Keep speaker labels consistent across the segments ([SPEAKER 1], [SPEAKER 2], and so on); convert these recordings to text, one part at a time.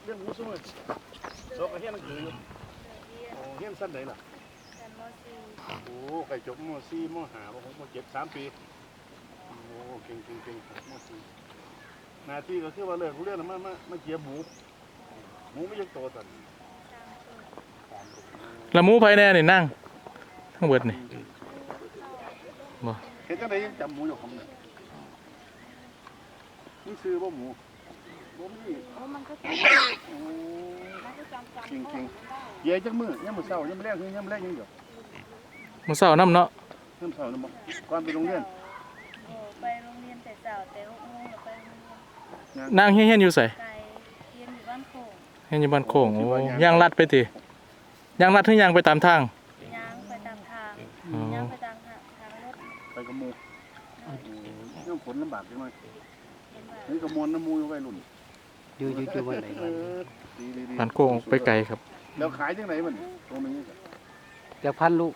[SPEAKER 1] เรื่องหมูสมุนโซกเฮียนคือโอ้เฮียนสั้นไหนล่ะโอ้ไก่จบม.4 ม.5 ม.6 ม.7 3 ปีโอ้เก่งม.4หน้าที่ก็คือว่าเลิกเรื่องมาเกี่ยหมูไม่ยังโตตัน
[SPEAKER 2] ละหมูไผแน่นี่นั่งทั้งเบิดนี่บ่
[SPEAKER 1] เห็นจังไดยังจำหมูอยู่ของเนี่ยนี่ซื้อบ่หมูบ่มี
[SPEAKER 3] มันก็จำ
[SPEAKER 1] เก่งเย่จักมื้อยามมื้อเช้ายามมื้อแลงคือยามมื้อแลงยังเดียว
[SPEAKER 2] มื้อเช้านํเนาะ
[SPEAKER 1] ยามเช้านำบ่ก่อนไปโรงเรียน
[SPEAKER 3] ไปโรงเรียนแต่เช้าแต่6 โมงแล้วไปโรงเรียน
[SPEAKER 2] นางเฮียนอยู่ไส
[SPEAKER 3] ไกลเรียนอยู่บ้านโป่ง
[SPEAKER 2] เฮียนอยู่บ้านโคงโอ้ย่างลัดไปติย่างลัดถึงย่างไปตามทาง
[SPEAKER 3] ย่างไปตามทาง
[SPEAKER 2] อ๋อ
[SPEAKER 3] ย่างไปตามทางรถ
[SPEAKER 1] ไปกับหมู่เรื่องฝนลำบากจังเลย
[SPEAKER 3] เห็นว่า
[SPEAKER 1] นี่ก็มวนน้ำมูอยู่วัยรุ่น
[SPEAKER 4] อยู่วันไหนวัน
[SPEAKER 1] ดี
[SPEAKER 2] บ้านโคงไปไกลครับ
[SPEAKER 1] แล้วขายจังไหนมันตรงนี้
[SPEAKER 4] จากพันลูก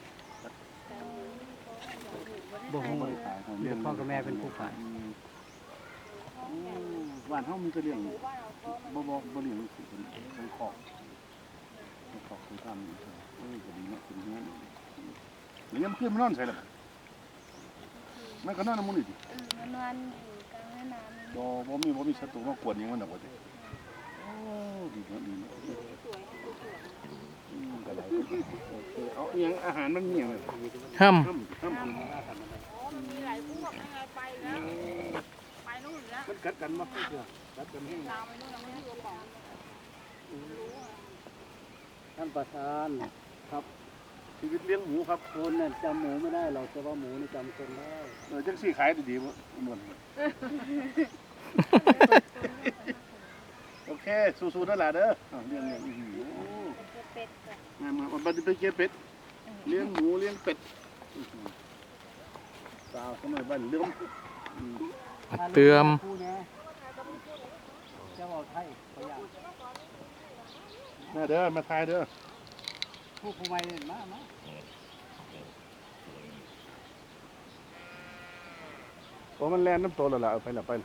[SPEAKER 1] บ่ฮู้ขาย
[SPEAKER 4] เดี๋ยวพ่อกับแม่เป็นผู้ขาย
[SPEAKER 1] บ้านเฮามีแต่เลี้ยงบ่เลี้ยงสิเป็นคอกคือทำก็ดีเนาะเป็นเงี้ยนี่ยังขึ้นมานอนใส่ล่ะมันก็นอนน้ำมูนี่ดิ
[SPEAKER 3] มันวันอยู่กลางแม่น้ำ
[SPEAKER 1] บ่มีศัตรูมากวนหยังมันดอกว่าติโอ้ดีเนาะก็หลายเอาอีหยังอาหารมันมีหยัง
[SPEAKER 2] ห้ำ
[SPEAKER 3] มีหลายพวกยังไงไปแล้วไปนู่นแล้ว
[SPEAKER 1] มันกัดกันบ่เชื่อกัดกันแห้ง
[SPEAKER 3] ตามไปนู่นแล้วไม่รู้ของ
[SPEAKER 4] ท่านประธานครับ
[SPEAKER 1] ชีวิตเลี้ยงหมูครับ
[SPEAKER 4] คนเนี่ยจำหมูไม่ได้หรอกแต่ว่าหมูนี่จำคนได้
[SPEAKER 1] จังซี่ขายดีๆบ่ม่วนโอเคสู้ๆนั่นล่ะเด้อเลี้ยง
[SPEAKER 3] เป็ดค่ะ
[SPEAKER 1] มาบัดนี้ไปเก็บเป็ดเลี้ยงหมูเลี้ยงเป็ดสาวสมัยบ้านเลี้ยง
[SPEAKER 2] เตือม
[SPEAKER 4] ผู้เนี่ยจะบอกไทยเขาอยาก
[SPEAKER 1] มาเด้อมาทายเด้อ
[SPEAKER 4] ผู้ใหม่เนี่ยมา
[SPEAKER 1] โอ้มันแล่นน้ำโตแล้วล่ะเอาไปละไป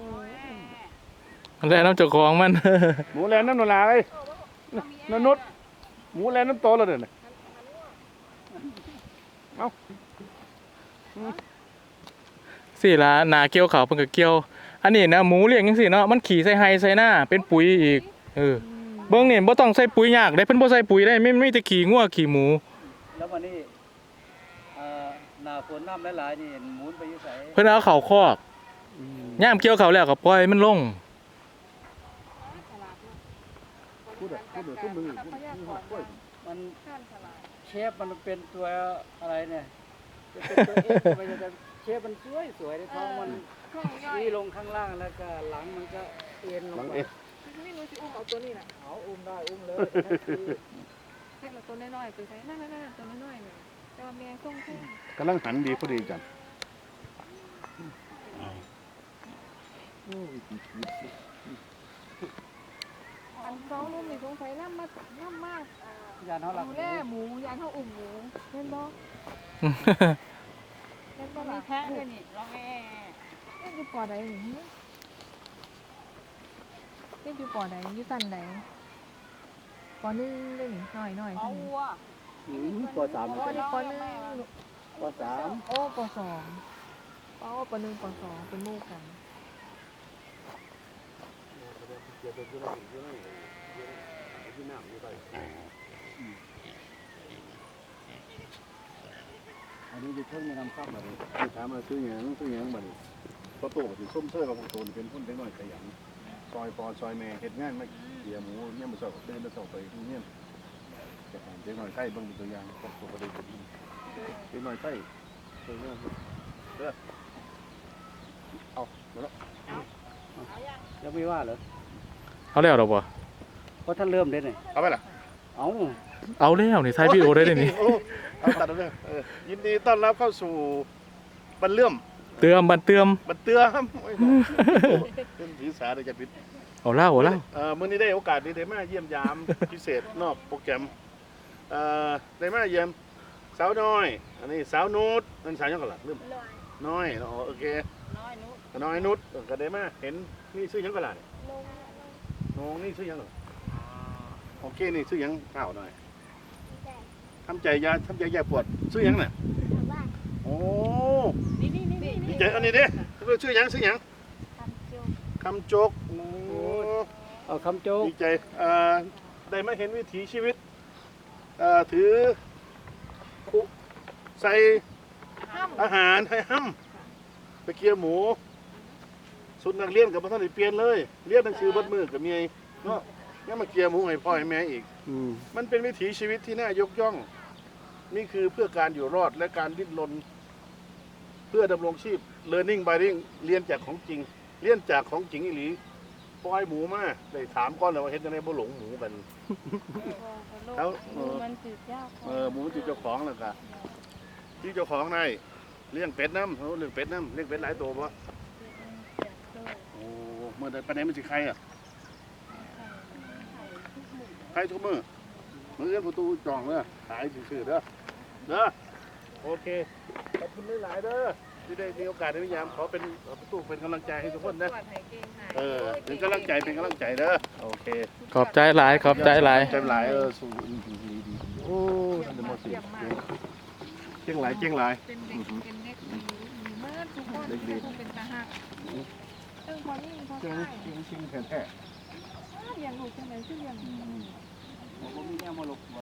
[SPEAKER 2] มันแลน้ำเจ้าของมัน
[SPEAKER 1] หมูแล่นน้ำนลาเอ้ยนนุษหมูแล่นน้ำโตแล้วเด้อน่ะเอ้า
[SPEAKER 2] สิล่ะนาเกี่ยวเขาวเพิ่นก็เกี่ยว อันนี้นะหมูเลี้ยงจังซี่เนาะมันขี่ใส่ไห้ใส่หน้าเป็นปุ๋ยอีกเบิ่งนี่บ่ต้องใส่ปุ๋ยยากได้เพิ่นบ่ใส่ปุ๋ยได้ไม่มีแต่ขี้งัวขี้หมู
[SPEAKER 4] แล้ววันนี้หน้าฝนน้ำหลายๆนี่หมุนไปอยู่ไส
[SPEAKER 2] เพิ่นเอาเข้าคอกยามเกี่ยวเขาวแล้วก็ปล่อยมันลง
[SPEAKER 1] พูดขึ้นมือ
[SPEAKER 4] มัน
[SPEAKER 3] ข้านฉลาด
[SPEAKER 4] เชฟมันเป็นตัวอะไรเนี่ยจะเป็นตัวเอฟไม่ใช่แต่เชฟมันสวยในท้องมัน
[SPEAKER 3] ข้องย่อย
[SPEAKER 4] นี่ลงข้างล่างแล้วก็หลังมันก็เอ็นลง
[SPEAKER 1] บัง
[SPEAKER 4] ไป
[SPEAKER 1] เอ๊ะ
[SPEAKER 3] ไม่รู้สิอุ้มเอาตัวนี้น่ะ
[SPEAKER 4] เอาอุ้มได้อุ้มเลย
[SPEAKER 3] ให้เราตัวน้อยๆไปใช้นั่นตัวน้อยๆเนี่ยแต่ว่าแมงส่งแค่
[SPEAKER 1] กำลังหันดีพอดีจัง
[SPEAKER 3] อันสองนุ่มนี่สงสัยน้ำมาก
[SPEAKER 4] ยานเขาหลัก
[SPEAKER 3] ดูแลหมูยานเท่าอุ่มหมูเห็นบ่เห็นบ่มีแพะเลยนี่ร้องแอ่เล่นอยู่ปอใดนี่เล่นอยู่ปอใดอยู่สันใดปอ1เลยนี่น้อยๆ
[SPEAKER 4] เอา
[SPEAKER 3] นี่
[SPEAKER 4] วัวปอสาม
[SPEAKER 3] อ๋อนี่ป1
[SPEAKER 4] ปอสาม
[SPEAKER 3] โอ้ป2อ๋อป1ป2เป็นหมู่กัน
[SPEAKER 4] อันนี้จะเพิ่งมานำซ้ำมาเลย
[SPEAKER 1] ถามมาซื้อหยังบัดนี้พอโตสิส้มเสื้อกับพวกโตนี่เป็นคนเด็กน้อยขยันซอยปอซอยแม่เฮ็ดงานมาเกี่ยหมูเนี่ยมื้อเช้าก็ตื่นมาเช้าไปโรงเรียนจะให้เด็กน้อยไทยเบิ่งเป็นตัวอย่างครอบครัวก็ได้เป็นเด็กน้อยไทยตัวอย่างเด้อเอามาแล้ว
[SPEAKER 4] ยังไม่ว่าเหรอ
[SPEAKER 2] เอาแล้วดอกบ่
[SPEAKER 4] เพราะท่านเริ่มได้เนี่ย
[SPEAKER 1] เอาไปล่ะ
[SPEAKER 4] เอา
[SPEAKER 2] เอาแล้วนี่ถ่ายวิดีโอได้นี่
[SPEAKER 1] เอาตัดเอาเลยยินดีต้อนรับเข้าสู่บันเลื่อม
[SPEAKER 2] เตือมบันเตือม
[SPEAKER 1] บันเตือมโอ้ยเป็นผีสาได้จะพิษ
[SPEAKER 2] เอาเล่าเอาเล่า
[SPEAKER 1] มื้อนี้ได้โอกาสได้มาเยี่ยมยามพิเศษนอกโปรแกรมได้มาเยี่ยมสาวน้อย อันนี้สาวนุชนั่นสาวยังก่อนล่ะลืมน้อยโอเค
[SPEAKER 3] น้อยนุ
[SPEAKER 1] น้อยนุชก็ได้มาเห็นนี่ชื่อยังก่อนล่ะน้องนี่ชื่อยังก่อนโอเคนี่ซื้อหยังข้าวหน่อยทำใจยาปวดซื้อหยังน่ะโอ้
[SPEAKER 3] นี่
[SPEAKER 1] ดีใจอันนี้เด้ซื้อหยังคำโจกโอ้
[SPEAKER 4] เอาคำโจ๊ก
[SPEAKER 1] ดีใจได้มาเห็นวิถีชีวิตถือคุใส่อาหารให้ห้ำไปเคี่ยวหมูสุดนักเรียนกับพระท่านได้เปลี่ยนเลยเรียนหนังสือเบัดมือกับเมียเนาะยังมาเคี่ยวหมูให้พ่อให้แม่อีก มันเป็นวิถีชีวิตที่น่ายกย่อง นี่คือเพื่อการอยู่รอดและการดิ้นรนเพื่อดำรงชีพ learning by doing เรียนจากของจริง เรียนจากของจริงอีหลีปล่อยหมูมาได้ถามก้อนเลยว่าเฮ็ดจังได๋บ่หลงหมูกัน เขา
[SPEAKER 3] มันจืดยาก
[SPEAKER 1] หมูมันจิเจ้าของแล้วก็ที่เจ้าของได้เลี้ยงเป็ดน้ำเขาเลี้ยงเป็ดน้ำเลี้ยงเป็ดหลายตัวบ่โอ้เมื่อใดปานใดมันสิไข่อ่ะไข่ทุกมื้อมื้อเอื้อนประตูจองเด้อขายซื่อๆเด้อโอเคขอบคุณหลายๆเด้อที่ได้มีโอกาสได้พยายามขอเป็นประตูเป็นกำลังใจให้ทุกคนนะเป็นกำลังใจเป็นกำลังใจเด้อโอเค
[SPEAKER 2] ขอบใจหลายขอบใจหลาย
[SPEAKER 1] ใจหลายสู้ดีโอ้เดมอสิเก่งหลาย
[SPEAKER 3] เป็นเด็กเป็นเด็กดีเมื่อทุกคนเป็นตาหักซึ่งพอนี่พอ
[SPEAKER 1] เก่ง
[SPEAKER 3] ใช่
[SPEAKER 1] จริงแท้
[SPEAKER 3] เรียนลูกจังไหนชื่อเรียน
[SPEAKER 1] ผมก็มีแง่มาลก